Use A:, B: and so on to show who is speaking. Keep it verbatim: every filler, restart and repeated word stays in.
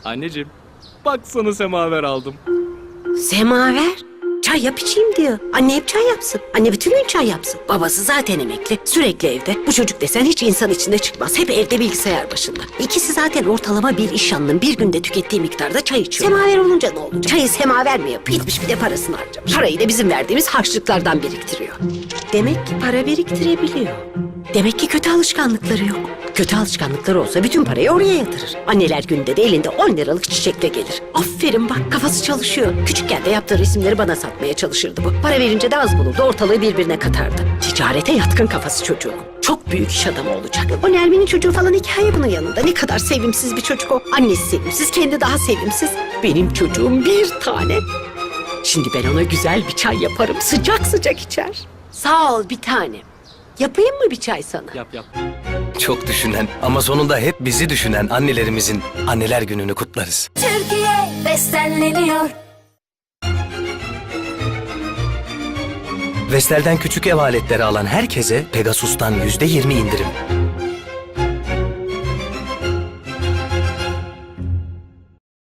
A: Anneciğim, bak sana semaver aldım.
B: Semaver? Çay yap içeyim diyor. Anne hep çay yapsın. Anne bütün gün çay yapsın. Babası zaten emekli. Sürekli evde. Bu çocuk desen hiç insan içinde çıkmaz. Hep evde bilgisayar başında. İkisi zaten ortalama bir iş yanının bir günde tükettiği miktarda çay içiyor. Semaver olunca ne olacak? Çayı semaver mi yapıyor? Gitmiş bir de parasını harcamış. Parayı da bizim verdiğimiz harçlıklardan biriktiriyor. Demek ki para biriktirebiliyor. Demek ki kötü alışkanlıkları yok. Kötü alışkanlıkları olsa bütün parayı oraya yatırır. Anneler günde de elinde on liralık çiçekle gelir. Aferin bak, kafası çalışıyor. Küçükken de yaptığı resimleri bana satmaya çalışırdı bu. Para verince de az bulurdu, ortalığı birbirine katardı. Ticarete yatkın kafası çocuğun. Çok büyük iş adamı olacak. O Nermin'in çocuğu falan hikaye bunun yanında. Ne kadar sevimsiz bir çocuk o. Annesi sevimsiz, kendi daha sevimsiz. Benim çocuğum bir tane. Şimdi ben ona güzel bir çay yaparım. Sıcak sıcak içer. Sağ ol bir tanem. Yapayım mı bir çay sana?
A: Yap yap.
C: Çok düşünen ama sonunda hep bizi düşünen annelerimizin anneler gününü kutlarız.
D: Türkiye bestenleniyor.
C: Vestel'den küçük ev aletleri alan herkese Pegasus'tan yüzde yirmi indirim.